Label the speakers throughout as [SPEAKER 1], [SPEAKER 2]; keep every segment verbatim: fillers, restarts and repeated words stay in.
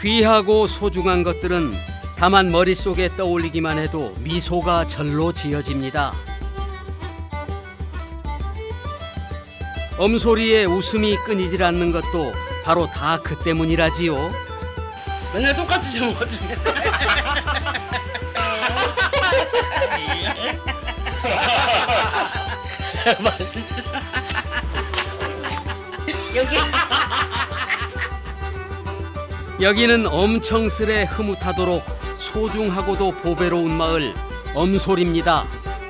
[SPEAKER 1] 귀하고 소중한 것들은 다만 머릿속에 떠올리기만 해도 미소가 절로 지어집니다. 엄소리에 웃음이 끊이질 않는 것도 바로 다 그 때문이라지요.
[SPEAKER 2] 맨날 똑같으시면 어떡해.
[SPEAKER 3] 여기
[SPEAKER 1] 여기는 엄청스레 흐뭇하도록 소중하고도 보배로운 마을 엄솔입니다.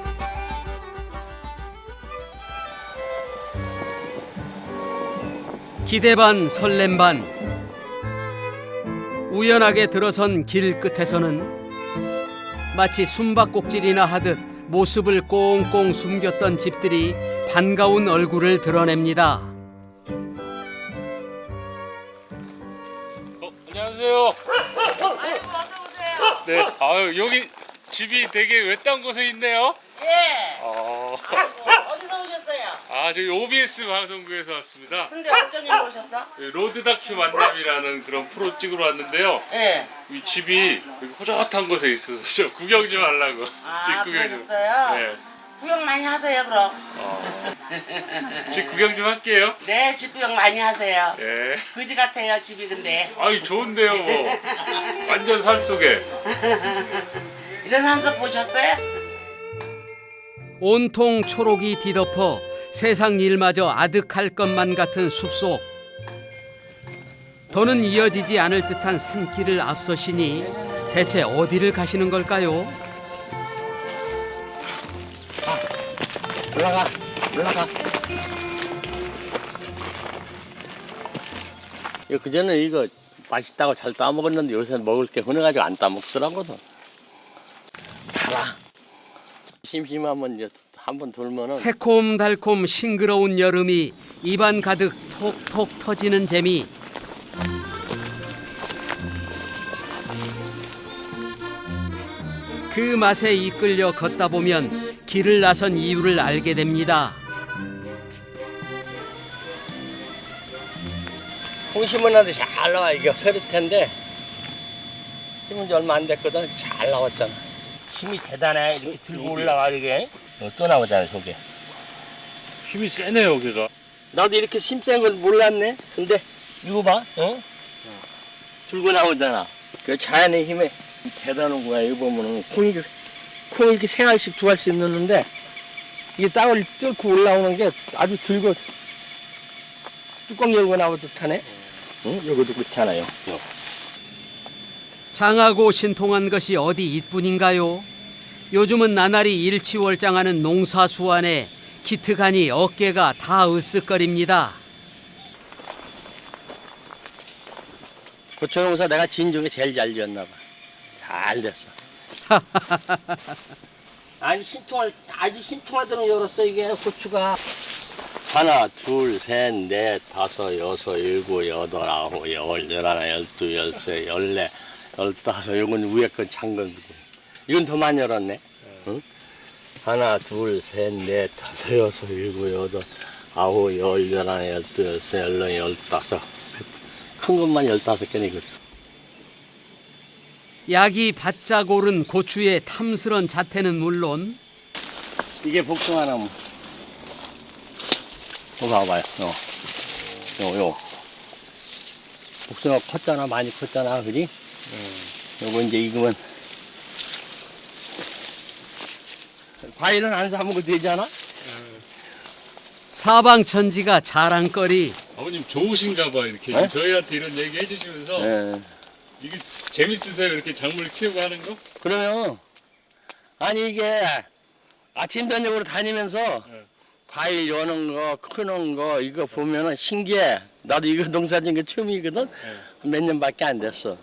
[SPEAKER 1] 기대 반 설렘 반. 우연하게 들어선 길 끝에서는 마치 숨바꼭질이나 하듯 모습을 꽁꽁 숨겼던 집들이 반가운 얼굴을 드러냅니다.
[SPEAKER 4] 어, 안녕하세요.
[SPEAKER 2] 아이고 어서 오세요.
[SPEAKER 4] 네. 아유, 여기 집이 되게 외딴 곳에 있네요.
[SPEAKER 2] 예.
[SPEAKER 4] 어.
[SPEAKER 2] 아이고 어디서 오셨어요?
[SPEAKER 4] 아, 저희 오비에스 방송국에서 왔습니다.
[SPEAKER 2] 근데 어쩐 일로 오셨어?
[SPEAKER 4] 로드 다큐 만남이라는 그런 프로 찍으러 왔는데요.
[SPEAKER 2] 예.
[SPEAKER 4] 이 집이 여기 호젓한 곳에 있어서 저 구경 좀 하려고.
[SPEAKER 2] 아
[SPEAKER 4] 집 구경 좀.
[SPEAKER 2] 그러셨어요?
[SPEAKER 4] 네.
[SPEAKER 2] 구경 많이 하세요 그럼.
[SPEAKER 4] 어. 집 구경 좀 할게요.
[SPEAKER 2] 네, 집 구경 많이 하세요.
[SPEAKER 4] 예.
[SPEAKER 2] 그지 같아요 집이 근데.
[SPEAKER 4] 아이, 좋은데요, 뭐. 완전 산 속에.
[SPEAKER 2] 이런 산속 보셨어요?
[SPEAKER 1] 온통 초록이 뒤덮어 세상 일마저 아득할 것만 같은 숲속. 더는 이어지지 않을 듯한 산길을 앞서시니 대체 어디를 가시는 걸까요?
[SPEAKER 5] 올라가, 올라가. 그전에 이거 맛있다고 잘 따먹었는데 요새는 먹을 게 흔해가지고 안 따먹더라고도. 달아. 심심하면 이제 한번 돌면은
[SPEAKER 1] 새콤달콤 싱그러운 여름이 입안 가득 톡톡 터지는 재미. 그 맛에 이끌려 걷다 보면 길을 나선 이유를 알게 됩니다.
[SPEAKER 5] 콩 심었는데 잘 나와. 이게 서리태인데 심은 지 얼마 안 됐거든. 잘 나왔잖아. 힘이 대단해. 이렇게 들고 올라가 이게. 어, 또 나오잖아 저게.
[SPEAKER 4] 힘이 세네요, 여기가.
[SPEAKER 5] 나도 이렇게 심센 걸 몰랐네. 근데 이거 봐, 어? 들고 나오잖아. 그 자연의 힘에 대단한 거야. 이거 보면은 콩이 콩이 이렇게 세 알씩 두 알씩 넣는데 이게 땅을 뚫고 올라오는 게 아주 들고 뚜껑 열고 나오듯 하네. 응? 여기도 그렇잖아요. 요.
[SPEAKER 1] 장하고 신통한 것이 어디 이뿐인가요? 요즘은 나날이 일치월장하는 농사수완에 기특하니 어깨가 다 으쓱거립니다.
[SPEAKER 5] 고추농사 내가 진 중에 제일 잘 지었나 봐. 잘 됐어. 아주 신통할 아주 신통하도록 열었어 이게 고추가. 하나, 둘, 셋, 넷, 다섯, 여섯, 일곱, 여덟, 아홉, 열, 열하나, 열두, 열세, 열네, 열다섯. 이건 위에 건 창건. 이건 더 많이 열었네. 응? 하나, 둘, 셋, 넷, 다섯, 여섯, 일곱, 여덟, 아홉, 열, 열하나, 열두, 열세, 열네, 열다섯. 큰 것만 열다섯 개네 이거.
[SPEAKER 1] 약이 바짝 오른 고추의 탐스런 자태는 물론
[SPEAKER 5] 이게 복숭아나무. 이거 봐봐요. 요, 요, 요. 복숭아 컸잖아, 많이 컸잖아, 그지? 음. 요거 이제 익으면 과일은 안 사 먹어도 되잖아.
[SPEAKER 1] 사방천지가 자랑거리.
[SPEAKER 4] 아버님 좋으신가 봐, 이렇게.
[SPEAKER 5] 네?
[SPEAKER 4] 저희한테 이런 얘기 해주시면서.
[SPEAKER 5] 예.
[SPEAKER 4] 이게 재밌으세요? 이렇게 작물 키우고 하는 거?
[SPEAKER 5] 그러면 아니 이게 아침 저녁으로 다니면서
[SPEAKER 4] 네.
[SPEAKER 5] 과일 여는 거, 크는 거 이거 보면은 신기해. 나도 이거 농사 짓는 게 처음이거든. 몇 년밖에 안 됐어.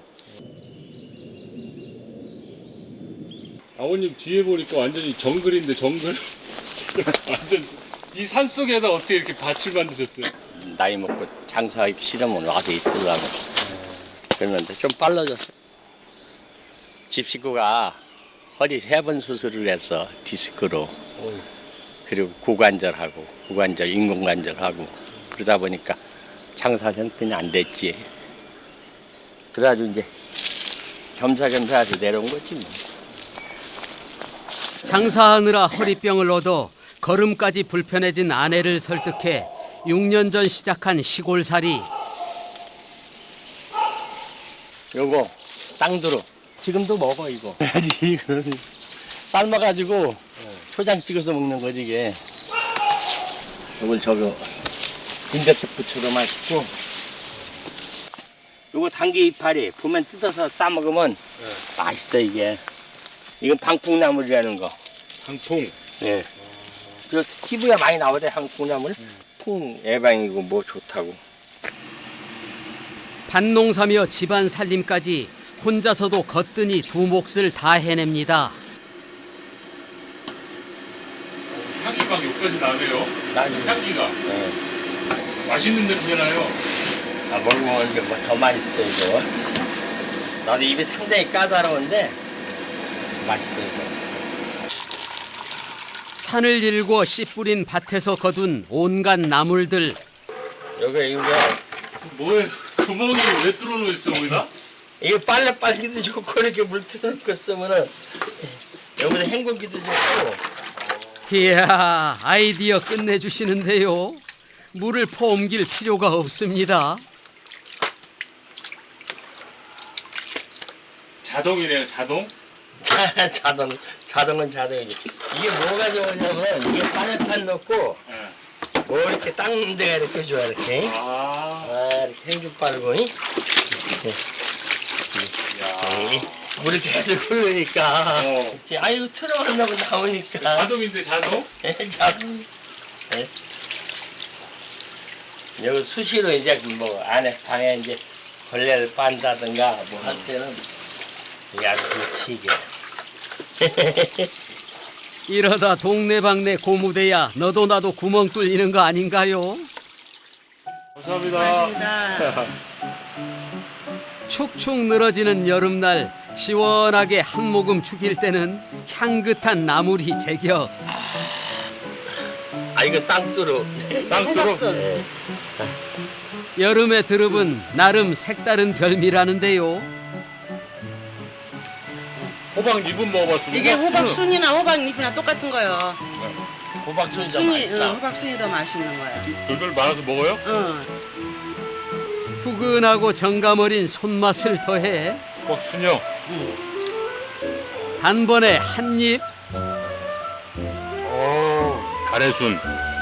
[SPEAKER 4] 아버님 뒤에 보니까 완전히 정글인데 정글? 완전 이 산 속에다 어떻게 이렇게 밭을 만드셨어요?
[SPEAKER 5] 나이 먹고 장사하기 싫으면 와서 있으려고. 그러는데 좀 빨라졌어. 집 식구가 허리 세 번 수술을 했어. 디스크로. 그리고 고관절하고 고관절 인공관절하고 그러다 보니까 장사 형편이 안 됐지. 그래가지고 이제 겸사겸사 해서 내려온 거지 뭐.
[SPEAKER 1] 장사하느라 허리병을 얻어 걸음까지 불편해진 아내를 설득해 육 년 전 시작한 시골살이.
[SPEAKER 5] 요거 땅두릅 지금도 먹어 이거. 이거는 삶아가지고 초장 찍어서 먹는 거지 이게. 요걸 저거 김자채 부쳐도 맛있고. 요거 당귀 이파리 보면 뜯어서 싸 먹으면 맛있어 이게. 이건 방풍나물이라는 거.
[SPEAKER 4] 방풍.
[SPEAKER 5] 예. 저 티비에 많이 나오대 방풍나물. 풍 예방이고 뭐 좋다고.
[SPEAKER 1] 밭농사며 집안 살림까지 혼자서도 거뜬히 두 몫을 다 해냅니다.
[SPEAKER 4] 향이 막 여기까지 나네요.
[SPEAKER 5] 나중에.
[SPEAKER 4] 향기가.
[SPEAKER 5] 예.
[SPEAKER 4] 맛있는 냄새 나요.
[SPEAKER 5] 아, 먹으면 이제 뭐 더 맛있어 이거. 나도 입이 상당히 까다로운데 맛있어 이거.
[SPEAKER 1] 산을 일궈 씨 뿌린 밭에서 거둔 온갖 나물들.
[SPEAKER 5] 여기 이거
[SPEAKER 4] 뭐에 구멍이 왜 뚫어놓여 있어 거기다?
[SPEAKER 5] 이거 빨래 빨기도 좋고 이렇게 물 틀어놓고 쓰면은 여기다 헹구기도 좋고.
[SPEAKER 1] 이야, 아이디어 끝내주시는데요. 물을 퍼옮길 필요가 없습니다.
[SPEAKER 4] 자동이래요 자동?
[SPEAKER 5] 자동 자동은 자동이지. 이게 뭐가 좋으냐면 이게 빨래판 넣고
[SPEAKER 4] 네.
[SPEAKER 5] 뭐 이렇게 닦는 데가 이렇게 좋아 이렇게.
[SPEAKER 4] 아.
[SPEAKER 5] 아 이렇게 행주 빨고 이?
[SPEAKER 4] 야.
[SPEAKER 5] 물이 계속 흐르니까.
[SPEAKER 4] 어.
[SPEAKER 5] 그렇지. 아 이거 틀어놓으려고 나오니까.
[SPEAKER 4] 자동인데 자동?
[SPEAKER 5] 예, 자동. 예. 여기 수시로 이제 뭐 안에 방에 이제 걸레를 빤다든가 뭐 할 때는 이게 아주 좋지 이게.
[SPEAKER 1] 이러다 동네방네 고무대야 너도 나도 구멍 뚫리는 거 아닌가요?
[SPEAKER 4] 감사합니다.
[SPEAKER 1] 축축 늘어지는 여름날 시원하게 한 모금 죽일 때는 향긋한 나물이 제격.
[SPEAKER 5] 아 이거 땅두루.
[SPEAKER 4] 땅두루.
[SPEAKER 5] 예.
[SPEAKER 1] 여름의 드릅은 나름 색다른 별미라는데요.
[SPEAKER 4] 호박 잎은 먹어봤습니다.
[SPEAKER 2] 이게 호박 순이나 호박 잎이나 똑같은 거요.
[SPEAKER 5] 호박순이 더
[SPEAKER 2] 순이,
[SPEAKER 5] 맛있어.
[SPEAKER 2] 응, 호박 순이 더 맛있는 거야.
[SPEAKER 4] 돌돌 말아서 먹어요?
[SPEAKER 2] 응.
[SPEAKER 1] 후근하고 정감 어린 손맛을 더해
[SPEAKER 4] 호박 순요.
[SPEAKER 1] 단번에 한 입.
[SPEAKER 4] 달의 순.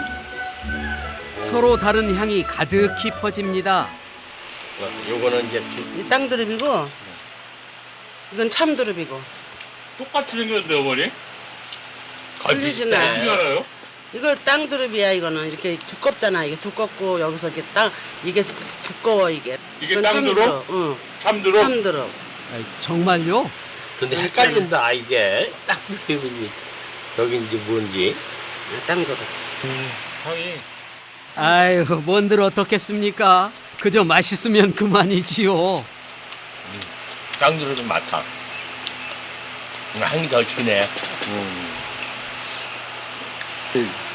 [SPEAKER 1] 서로 다른 향이 가득히 퍼집니다.
[SPEAKER 5] 요거는 이제
[SPEAKER 2] 이 땅두릅이고 이건 참두릅이고.
[SPEAKER 4] 똑같이 생겼는데 어머니?
[SPEAKER 2] 틀리진
[SPEAKER 5] 비슷해.
[SPEAKER 2] 않아.
[SPEAKER 4] 어떻게 알아요?
[SPEAKER 2] 이거 땅두릅이야. 이거는 이렇게 두껍잖아. 이게 두껍고 여기서 이렇게 땅 이게 두- 두꺼워 이게.
[SPEAKER 4] 이게
[SPEAKER 2] 이건
[SPEAKER 4] 땅두릅?
[SPEAKER 2] 참두릅. 응.
[SPEAKER 4] 참두릅?
[SPEAKER 2] 참두릅.
[SPEAKER 1] 아이, 정말요?
[SPEAKER 5] 근데 헷갈린다 아, 이게 땅두릅인지 여긴지 뭔지.
[SPEAKER 2] 아, 땅두릅.
[SPEAKER 4] 향이.
[SPEAKER 1] 아유, 뭔들 어떻겠습니까? 그저 맛있으면 그만이지요.
[SPEAKER 5] 땅두릅이 많다. 향이 더 주네. 음.